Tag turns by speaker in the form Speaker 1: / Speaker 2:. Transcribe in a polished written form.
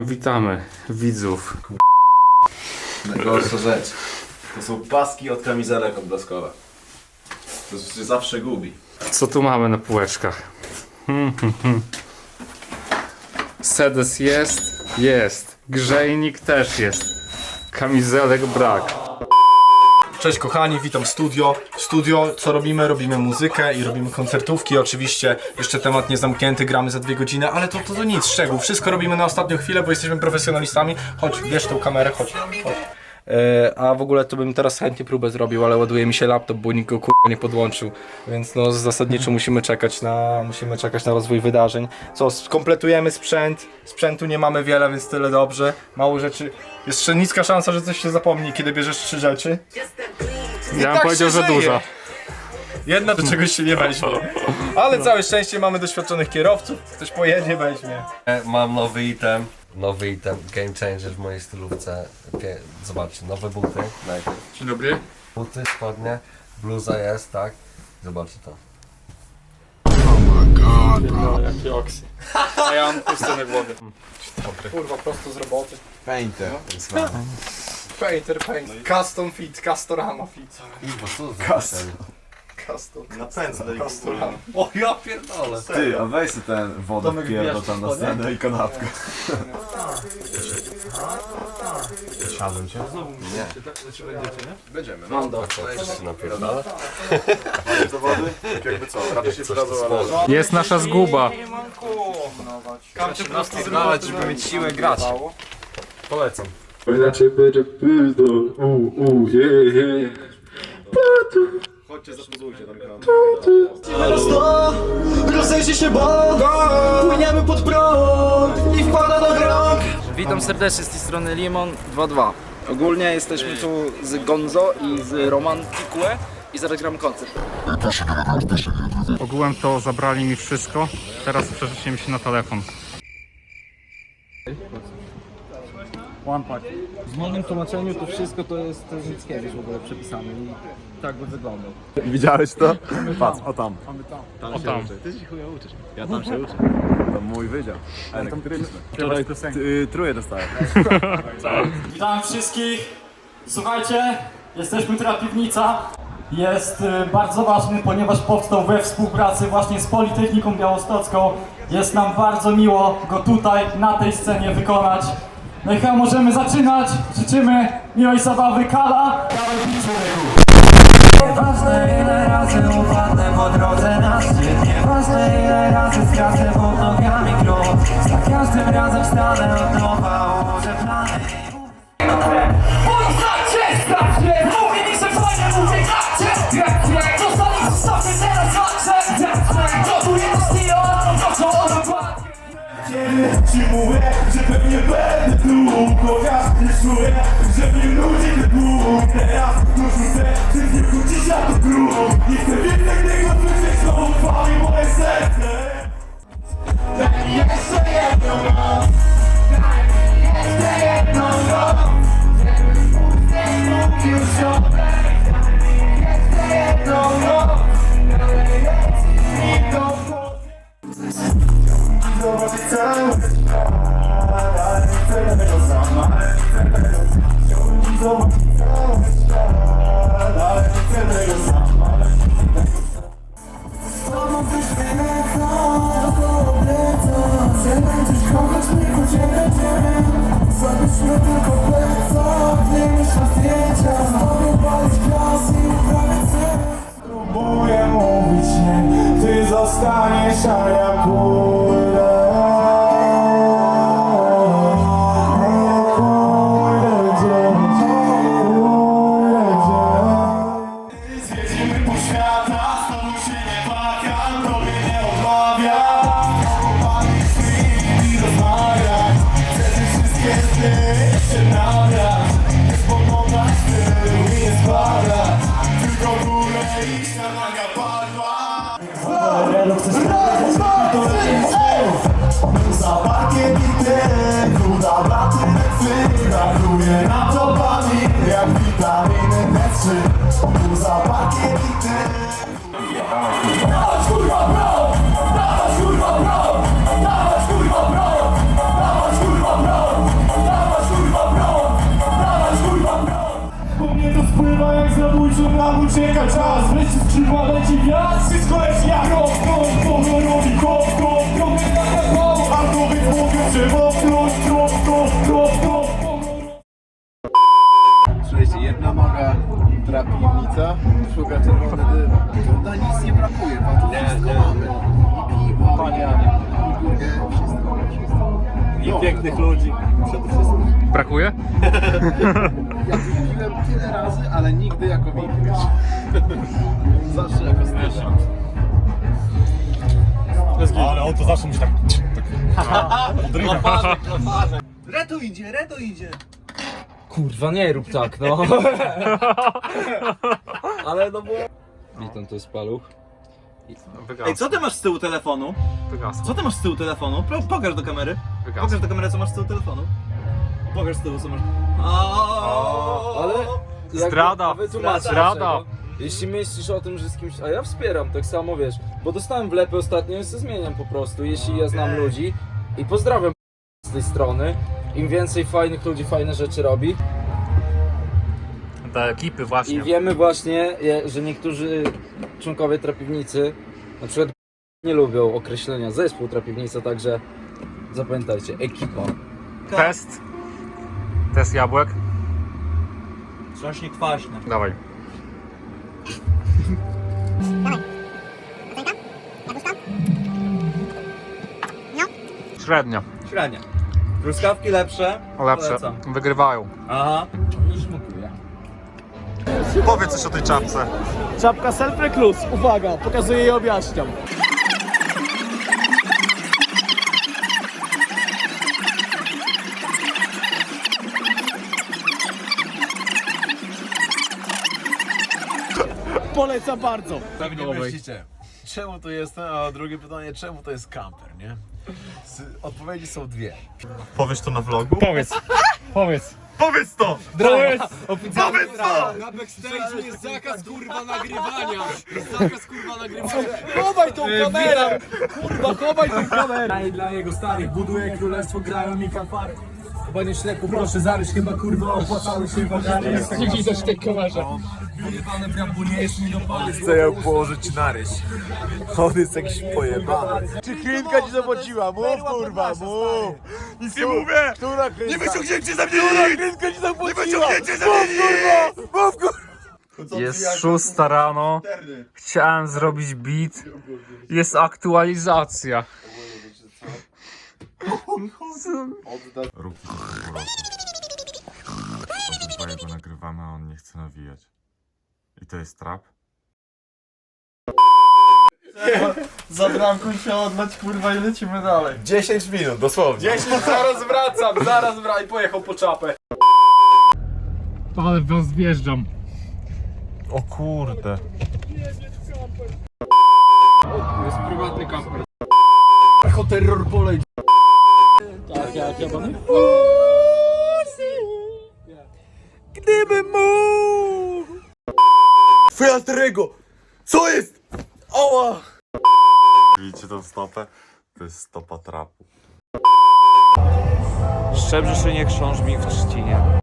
Speaker 1: Witamy widzów.
Speaker 2: Najgorsza rzecz. To są paski od kamizelek odblaskowe. To się zawsze gubi.
Speaker 1: Co tu mamy na półeczkach? Sedes jest. Grzejnik też jest. Kamizelek brak.
Speaker 3: Cześć kochani, witam w studio. W studio co robimy? Robimy muzykę i robimy koncertówki. Oczywiście jeszcze temat nie zamknięty, gramy za 2 godziny, ale to nic, szczegół. Wszystko robimy na ostatnią chwilę, bo jesteśmy profesjonalistami. Chodź, bierz tą kamerę, chodź. A w ogóle to bym teraz chętnie próbę zrobił, ale ładuje mi się laptop, bo nikt go kurwa nie podłączył. Więc no zasadniczo musimy czekać na rozwój wydarzeń. Co, skompletujemy sprzęt. Sprzętu nie mamy wiele, więc tyle dobrze. Mało rzeczy. Jeszcze niska szansa, że coś się zapomni, kiedy bierzesz 3 rzeczy.
Speaker 1: Ja bym powiedział, że duża.
Speaker 3: Jedna do czegoś się nie weźmie. Ale całe szczęście mamy doświadczonych kierowców. Ktoś pojedzie, weźmie.
Speaker 4: Mam nowy item, game changer w mojej stylówce. Zobaczcie, nowe buty najpierw.
Speaker 1: Dzień dobry.
Speaker 4: Buty, spodnie, bluza jest, tak? Zobaczcie to.
Speaker 1: Jaki oksy. A ja mam puste na głowie.
Speaker 3: Kurwa, prosto z roboty.
Speaker 2: Painter.
Speaker 3: Painter. Custom fit, Castorama fit. Custom.
Speaker 2: Na pędzle.
Speaker 3: Castorama.
Speaker 4: O ja pierdolę!
Speaker 2: Ty, a weź sobie ten wodę wpierdol tam na scenę i kanapkę. Siadłem cię? Będziemy.
Speaker 3: Mam do.
Speaker 4: Coś się napierdala?
Speaker 2: Do wody? Jakby co? Raczej się przydadzą, ale...
Speaker 1: Jest nasza zguba.
Speaker 3: Kamcie prosto z roboty, żeby mieć siłę grać.
Speaker 4: Polecam.
Speaker 5: Inaczej będzie pizdo,
Speaker 2: Chodźcie, zapozujcie tam ekran.
Speaker 6: Rozejrzyj się, bo płyniemy pod prąd i wkłada do rąk.
Speaker 7: Witam serdecznie z tej strony Limon 22. Ogólnie jesteśmy tu z Gonzo i z Romantikue i zaraz gram koncert.
Speaker 1: Ogółem to zabrali mi wszystko. Teraz przerzucimy się na telefon.
Speaker 7: W moim tłumaczeniu to wszystko to jest Mickiewicz w ogóle przepisane i tak by wyglądał.
Speaker 2: Widziałeś to? Patrz, o tam.
Speaker 1: O tam.
Speaker 2: Ty się chuja uczysz. Ja tam się uczę. To mój wydział. Elektryczny. Wczoraj truje dostałem.
Speaker 8: Witam wszystkich. Słuchajcie, jesteśmy teraz Piwnica. Jest bardzo ważny, ponieważ powstał we współpracy właśnie z Politechniką Białostocką. Jest nam bardzo miło go tutaj, na tej scenie wykonać. No i chyba możemy zaczynać. Życzymy miłej zabawy. Kala. Dawaj człowieku.
Speaker 6: Nieważne ile razy upadnę po drodze na szczyt. Nieważne ile razy stracę pod nogami krok. Za każdym razem wstanę od nowa, ułożę plany. Poznacie, sprawdźcie, mówię mi, że fajnie mówię, gracie. Zostali zostawmy teraz walczę. Gotuję do stylu, to co dokładnie.
Speaker 5: Ci mówię, że pewnie będę tu, chociaż nie czuję, że mnie ludzi nie było. Teraz dorzucę, że nie wrócisz na to grób. Nie chcę więcej tego, co się znowu chwali moje serce. Daj mi jeszcze jedną noc, daj mi jeszcze jedną noc, żebym mógł już odejść. Daj mi jeszcze jedną noc, ale jest mi to w głowie. Zobaczyć cały świat, ale nie chcę tego sama, chciałbym zobaczyć cały świat, ale nie chcę tego sama, z tobą coś wylecą, dookoła plecą, że będziesz kochać mnie, choć nie będziemy, zabyśmy tylko plecą, nie myśl na zdjęcia, z tobą palić glas i prawie cel. Próbuję mówić nie, ty zostaniesz, a ja pójdę. Zjedziemy po świata, z tobą się nie płakam, tobie nie odmawiam. Popatrz mi i rozmawiaj, chcę te wszystkie sny się nabrać. Nie spoglądać w tył i nie spadać, tylko w górę iść na naga padła. Za parkiem i ty, na braty brakuje nam dopaminy, jak witaminy D3. Za parkiem i ty. Dawać kurwa bro, dawać kurwa bro, dawać kurwa bro, dawać kurwa bro. nam ucieka czas, wreszcie skrzydła leci wiatr. Wszystko leci jak krok, honorowi krok, trochę tak mało, a to wypłowią, że wopnąć, krok,
Speaker 2: Słuchajcie, jedna noga trapiwnica, druga czerwony dym. Na nic nie brakuje, bo tu wszystko mamy. I piwo, panianie, i burgę, wszystko. I pięknych ludzi, przede wszystkim.
Speaker 1: Brakuje?
Speaker 2: Ja tu piłem tyle razy, ale nigdy jako VIP, wiesz. Zawsze jako stycza.
Speaker 3: Ale on to zawsze musi tak...
Speaker 2: Reto idzie!
Speaker 7: Kurwa, nie rób tak, no. Ale no bo... Witam, to jest Paluch.
Speaker 1: Wygasło.
Speaker 9: Co ty masz z tyłu telefonu?
Speaker 1: Wygasło.
Speaker 9: Co ty masz z tyłu telefonu? Pokaż do kamery.
Speaker 1: Wygasło.
Speaker 9: Pokaż do kamery, co masz z tyłu telefonu. Pokaż z tyłu, co masz.
Speaker 7: Ale...
Speaker 1: Zdrada.
Speaker 7: Wytłumaczę
Speaker 1: Zdrada.
Speaker 7: dlaczego. Jeśli myślisz o tym, że z kimś... A ja wspieram, tak samo wiesz. Bo dostałem wlepy ostatnio i się zmieniam po prostu. Jeśli ja znam ludzi i pozdrawiam z tej strony. Im więcej fajnych ludzi fajne rzeczy robi.
Speaker 1: Te ekipy właśnie.
Speaker 7: I wiemy właśnie, że niektórzy członkowie trapiwnicy na przykład nie lubią określenia zespół trapiwnica, także zapamiętajcie, ekipa.
Speaker 1: Test jabłek.
Speaker 9: Strasznie kwaśne.
Speaker 1: Dawaj. Średnio.
Speaker 9: Średnie. Truskawki lepsze.
Speaker 1: Lepsze.
Speaker 9: Polecam.
Speaker 1: Wygrywają.
Speaker 9: Aha.
Speaker 3: Powiedz coś o tej czapce.
Speaker 8: Czapka self-recluse, uwaga, pokazuję i objaśniam. Polecam bardzo.
Speaker 2: Pewnie myślicie, czemu tu jestem, a drugie pytanie, czemu to jest kamper, nie? Odpowiedzi są dwie.
Speaker 3: Powiesz to na vlogu?
Speaker 1: Powiedz. Powiedz.
Speaker 3: Powiedz to!
Speaker 1: Powiedz.
Speaker 3: Powiedz to!
Speaker 10: Na backstage jest zakaz kurwa nagrywania! Zakaz kurwa nagrywania! Chowaj tą kamerę! Kurwa, chowaj tą kamerę! I dla jego starych buduje królestwo, grają mi fanfary. Chyba nie ślepu, proszę zaryć, chyba kurwa opłacały się wagary. Nie widać tej kamerze. Wyjebane brambu nie jest mi dopady.
Speaker 2: Chcę ją położyć na ryś. On jest jakiś pojebany.
Speaker 3: Czy klinka ci zapłaciła? Mów kurwa, mów! Nic nie mówię!
Speaker 2: Która klinka?
Speaker 3: Nie wyciągnięcie za mnie nic! Klinka ci zapłaciła! Nie wyciągnięcie za mnie nic! Mów kurwa!
Speaker 1: Jest 6 rano. Chciałem zrobić beat. Jest aktualizacja.
Speaker 11: Rób to po roku. Obydwoje go nagrywamy, a on nie chce nawijać. I to jest trap?
Speaker 3: Za bramką się odlać kurwa i lecimy dalej.
Speaker 2: 10 minut, dosłownie.
Speaker 3: 10, zaraz wracam, i pojechał po czapę.
Speaker 1: Ale was wjeżdżam.
Speaker 11: O kurde.
Speaker 10: Jest prywatny kamper.
Speaker 3: Echo terror polej.
Speaker 8: Tak, jak ja mam.
Speaker 3: Gdybym mógł! Fiatrego! Co jest? Oła!
Speaker 11: Widzicie tą stopę? To jest stopa trapu.
Speaker 12: Szczebrzeszynie chrząszcz mi w trzcinie.